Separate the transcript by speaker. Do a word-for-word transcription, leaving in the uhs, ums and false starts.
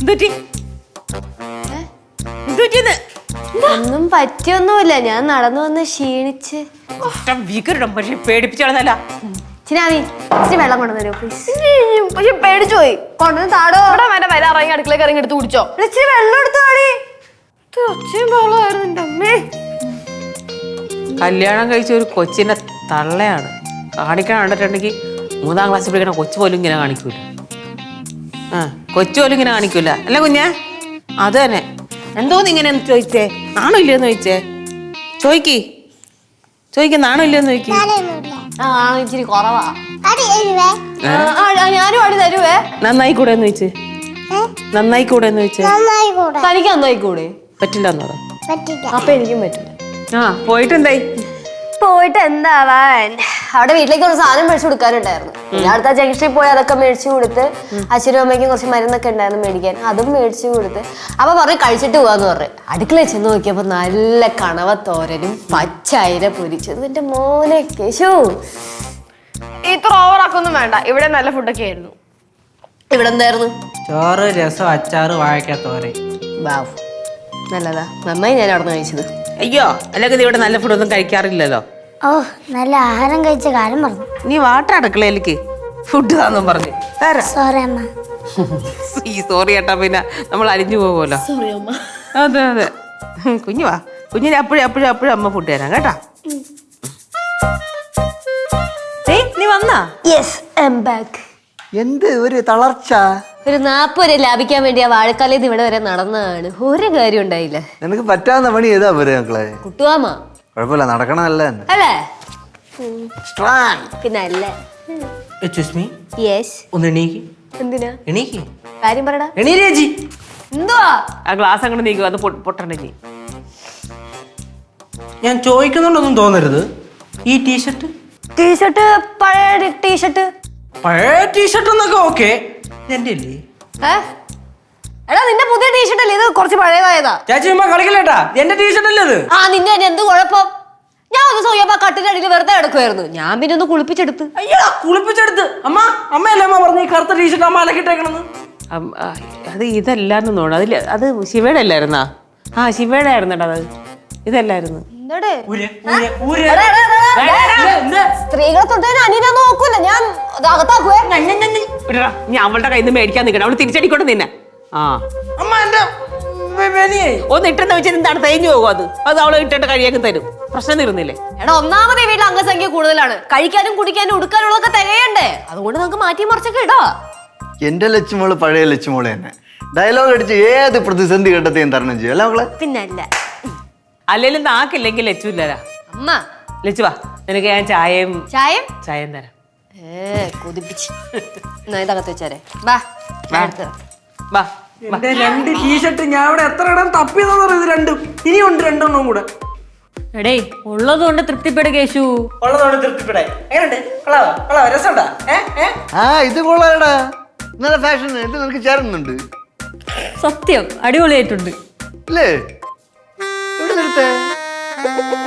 Speaker 1: ഒന്നും പറ്റിയൊന്നുമില്ല, ഞാൻ നടന്നു വന്ന് ക്ഷീണിച്ച്.
Speaker 2: പക്ഷെ പേടിപ്പിച്ചാണെന്നല്ല.
Speaker 1: ചിനാമി ഇച്ചിരി വെള്ളം കൊണ്ടുവന്നോ പ്ലീസ്.
Speaker 3: പക്ഷെ പേടിച്ചു പോയി.
Speaker 1: കൊണ്ടുവന്ന് താടോ.
Speaker 3: വേറെ വര ഇറങ്ങി അടുക്കളേക്ക് ഇറങ്ങി എടുത്ത് കുടിച്ചോ.
Speaker 1: ഇച്ചിരി വെള്ളം എടുത്തു താടി.
Speaker 3: ഒച്ചയും ബഹളമായിരുന്നു എന്റെ അമ്മേ.
Speaker 2: കല്യാണം കഴിച്ച ഒരു കൊച്ചിന്റെ തള്ളയാണ് കാണിക്കാൻ കണ്ടിട്ടുണ്ടെങ്കിൽ മൂന്നാം ക്ലാസ്സിൽ പഠിക്കണ കൊച്ചു പോലും ഇങ്ങനെ കാണിക്കൂല. ആ കൊച്ചു പോലും ഇങ്ങനെ കാണിക്കൂല അല്ല കുഞ്ഞെ. അത് തന്നെ. എന്തോന്ന് ഇങ്ങനെ ചോദിച്ചേ? നാണോ ഇല്ലയെന്ന് ചോദിച്ചേ? ചോയ്ക്ക് ചോദിക്ക നാണോ ഇല്ലയെന്ന് ചോദിക്ക്.
Speaker 1: ആ ഇച്ചിരി കുറവാ. ഞാനും അടി തരുവേ.
Speaker 2: നന്നായി കൂടെ എന്ന് ചോദിച്ചേ. നന്നായി കൂടെ എന്ന് ചോദിച്ചേ.
Speaker 1: തനിക്ക് നന്നായി കൂടെ?
Speaker 2: പറ്റില്ല എന്നോ?
Speaker 1: അപ്പൊ എനിക്കും പറ്റില്ല.
Speaker 2: ആ പോയിട്ട് എന്തായി?
Speaker 1: പോയിട്ട് എന്താവാൻ, അവിടെ വീട്ടിലേക്ക് കുറച്ച് സാധനം മേടിച്ചു കൊടുക്കാനുണ്ടായിരുന്നു. ഞാൻ അടുത്ത ജംഗ്ഷനിൽ പോയി അതൊക്കെ മേടിച്ചു കൊടുത്ത്, അച്ഛനും അമ്മയ്ക്കും കുറച്ച് മരുന്നൊക്കെ ഉണ്ടായിരുന്നു മേടിക്കാൻ, അതും മേടിച്ചു കൊടുത്ത്. അപ്പൊ പറഞ്ഞു കഴിച്ചിട്ട് പോവാന്ന് പറഞ്ഞു. അടുക്കളയിൽ ചെന്ന് നോക്കിയപ്പോ നല്ല കണവ തോരനും പച്ചയില പൊരിച്ചതും. എന്റെ മോനെ കേശു,
Speaker 3: ഇത്ര ഓവറാക്കൊന്നും വേണ്ട. ഇവിടെ നല്ല ഫുഡൊക്കെ ആയിരുന്നു.
Speaker 1: ഇവിടെ എന്തായിരുന്നു?
Speaker 4: ചോറ്, രസം, അച്ചാറ്, വാഴക്ക തോരൻ.
Speaker 1: ബാവ് നല്ലതാ, നന്നായി ഞാൻ അവിടെ നിന്ന് കഴിച്ചത്.
Speaker 2: അയ്യോ അല്ലെങ്കിൽ ഇവിടെ നല്ല ഫുഡൊന്നും കഴിക്കാറില്ലല്ലോ.
Speaker 5: ഓ നല്ല ആഹാരം കഴിച്ച കാലം പറഞ്ഞു.
Speaker 2: നീ വാട്ട അടുക്കളയിലേക്ക് ഫുഡ് താന്നും പറഞ്ഞു
Speaker 5: സോറി അമ്മ.
Speaker 2: ഈ സോറി ഏട്ടാ, പിന്നെ നമ്മൾ അരിഞ്ഞു പോകുമല്ലോ. അതെ അതെ. കുഞ്ഞു വാ, കുഞ്ഞിന് അപ്പോഴും അപ്പോഴും അപ്പോഴും അമ്മ ഫുഡ് തരാം കേട്ടാ. നീ വന്നാ?
Speaker 1: Yes I am back.
Speaker 6: എന്ത് ഒരു തളർച്ച?
Speaker 1: ഒരു നാപ്പ് വരെ ലാഭിക്കാൻ വേണ്ടി ആ വാഴക്കാലയിൽ ഇവിടെ വരെ നടന്നതാണ്. ഒരു കാര്യം ഉണ്ടായില്ല.
Speaker 6: നിനക്ക് പറ്റാവുന്ന പണി ഏതാ പോരെ മക്കളെ?
Speaker 1: കുട്ടുവാമ
Speaker 6: കുഴപ്പമില്ല, നടക്കണമല്ല തന്നെ
Speaker 1: അല്ലേ? പിന്നെ അല്ലേ? യെസ്.
Speaker 4: ഒന്ന് എണീക്ക്.
Speaker 1: എന്തിനാ?
Speaker 4: എണീക്ക്.
Speaker 1: കാര്യം പറടാ.
Speaker 4: എണീരേജി.
Speaker 1: എന്തുവാ?
Speaker 2: ആ ഗ്ലാസ് അങ്ങോട്ട് നീക്കും, അത് പൊട്ടണ്ടെങ്കിൽ.
Speaker 4: ഞാൻ ചോദിക്കുന്നുണ്ടൊന്നും തോന്നരുത്. ഈ ടീഷർട്ട്
Speaker 1: ടീഷർട്ട് പഴയ ടീഷർട്ട്.
Speaker 4: പഴയ ടീഷർട്ട് എന്നൊക്കെ ഓക്കെ, എന്റെ അല്ലേ?
Speaker 1: എടാ നിന്റെ പുതിയ ടീഷർട്ട് അല്ലേ ഇത്? കുറച്ച് പഴയതായതാ.
Speaker 4: ചേച്ചി ഉമ്മ കളിക്കല്ലേട്ടാ, എന്റെ ടീഷർട്ട് അല്ലേ ഇത്?
Speaker 1: ആ നിന്റെ തന്നെ എന്ത് കുഴപ്പം? ഞാൻ ഒന്ന് സോയപ്പ കട്ടിന്റെ അടിയിൽ വെറുതെ കിടക്കുമായിരുന്നു. ഞാൻ പിന്നെ ഒന്ന് കുളിപ്പിച്ചെടുത്ത്.
Speaker 4: അയ്യോ കുളിപ്പിച്ചെടുത്ത്. അമ്മ അമ്മയല്ലേ അമ്മ പറഞ്ഞു ഈ കറുത്ത ടീഷർട്ട് അമ്മ അലക്കിട്ടേക്കണെന്ന്?
Speaker 2: അത് ഇതല്ലാന്ന് തോന്നുന്നു. അതില് അത് ശിവയുടെ അല്ലായിരുന്നാ? ആ ശിവയുടെ ആയിരുന്നേട്ടാ അത്. ഇതല്ലായിരുന്നു.
Speaker 1: സ്ത്രീകളെ തൊട്ടതിന് അനിയനെ നോക്കൂല ഞാൻ. അകത്താക്കുവേ.
Speaker 2: ഞാൻ അവളുടെ കയ്യിൽ നിന്ന് മേടിക്കാൻ നിൽക്കണം. അവള് തിരിച്ചടിക്കൊണ്ട് നിന്നെ. ആ
Speaker 4: അമ്മ എന്റെ
Speaker 2: ഒന്ന് ഇട്ടെന്ന് വെച്ചാൽ എന്താണ് തേഞ്ഞു പോകും. അത് അത് അവളെ ഇട്ടിട്ട് കഴിയാൻ തരും. പ്രശ്നം തീർന്നില്ലേ?
Speaker 1: എടാ ഒന്നാമത് വീട്ടിൽ അംഗസംഖ്യ കൂടുതലാണ്. കഴിക്കാനും കുടിക്കാനും ഉടുക്കാനുള്ളതൊക്കെ തികയണ്ടേ? അതുകൊണ്ട് നമുക്ക് മാറ്റി മറിച്ചൊക്കെ ഇടാ.
Speaker 6: എന്റെ ലച്ചുമോള് പഴയ ലച്ചുമോള് തന്നെ. ഡയലോഗ് അടിച്ച് ഏത് പ്രതിസന്ധി ഘട്ടത്തെയും തരണം ചെയ്യും അല്ല മക്കളെ?
Speaker 1: പിന്നല്ല.
Speaker 2: അല്ലെങ്കിലും നാക്കില്ലെങ്കിൽ ലച്ചുല്ലരാ.
Speaker 1: അമ്മ
Speaker 2: ലച്ചു വാ, നിനക്ക് ഞാൻ ചായയും
Speaker 1: ചായം
Speaker 2: ചായം തരാം.
Speaker 1: ഏ കൊതിപ്പിച്ച്. ഇതകത്ത് വെച്ചാരെ ബാ.
Speaker 2: വാ
Speaker 4: എന്റെ രണ്ട് ടീഷർട്ട് ഞാൻ ഇവിടെ എത്ര ഇടം തപ്പിയതെന്ന് ഇത് രണ്ടും. ഇനിയുണ്ട് രണ്ടെണ്ണം കൂടെ.
Speaker 7: എടേ ഉള്ളത് കൊണ്ട് തൃപ്തിപ്പെട് കേശു.
Speaker 4: ഉള്ളതോടെ തൃപ്തിപ്പെടായി. എങ്ങനെയുണ്ട്? കൊള്ളാവോ? കൊള്ളാവോ? രസമുണ്ടാ?
Speaker 6: ആ ഇത് കൊള്ളാടാ, നല്ല ഫാഷൻ. ഇത് നിനക്ക് ചേരുന്നുണ്ട്.
Speaker 7: സത്യം അടിപൊളിയായിട്ടുണ്ട്
Speaker 6: അല്ലേ? എവിടെ നിർത്തേ?